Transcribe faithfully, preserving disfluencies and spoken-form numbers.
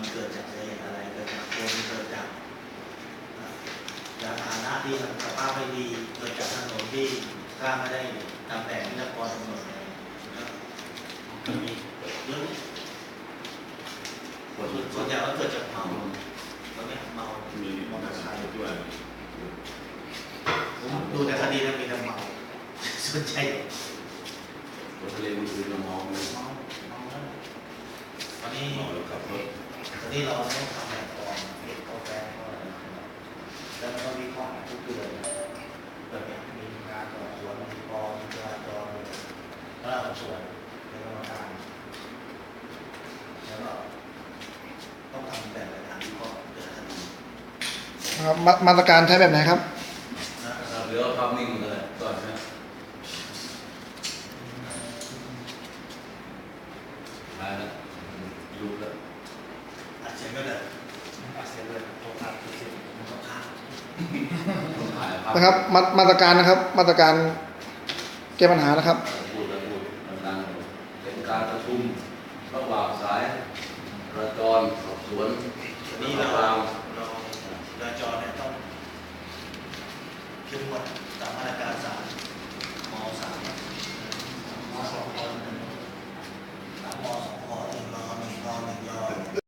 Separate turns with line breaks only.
มันเกิดจากเหตุอะไรเกิดจากคนเกิดจากยานพาหนะที่สภาพไม่ดีเกิดจากถนนที่สร้างไม่ได้ตามแบบที่นักกรกำหนดมันมีเยอะส่วนใหญ่ก็เกิดจากเมาตอนนี้เมามีมอเตอร์ไซค์ด้วยดูแต่คดีนั้นมีแต่เมาส่วนใหญ่
รถทะเลมันคือเราเมาเลย
เมาเมาแล้วตอนนี้
เมาแล้วขับรถ
ตอนนี้เราต้องทำแบบก่อนเก็บกาแฟก่อนแล้วก็วิเคราะห์ทุกเดือนแบบนี้มีการสอบสวนมีกองจราจรแล้วสอบสวนในกรรมการแล้วก็ต้องทำแบบรายงานวิเคราะห์เดือนละคดี
ครับมาตรการใช้แบบไหนครับ
เหลือภาพนิ่งเลยก่อนนะมาแล้วยูแล้ว
อัดเสียงก็ได้อัดเสียงเลยโทรศัพท์เสียงมันต้องค้าง
นะครับมามาตรการนะครับมาตรการแก้ปัญหานะครับ
พูดแล้วพูดดังๆเป็นการประชุมระหว่างสายจราจรสอบสวน
นี่เราเราจราจรเนี่ยต้องเข้มงวดตามมาตรการศาลม.สามม.สองม.หนึ่งสามม.สองม.หนึ่งม.หนึ่งม.หนึ่งย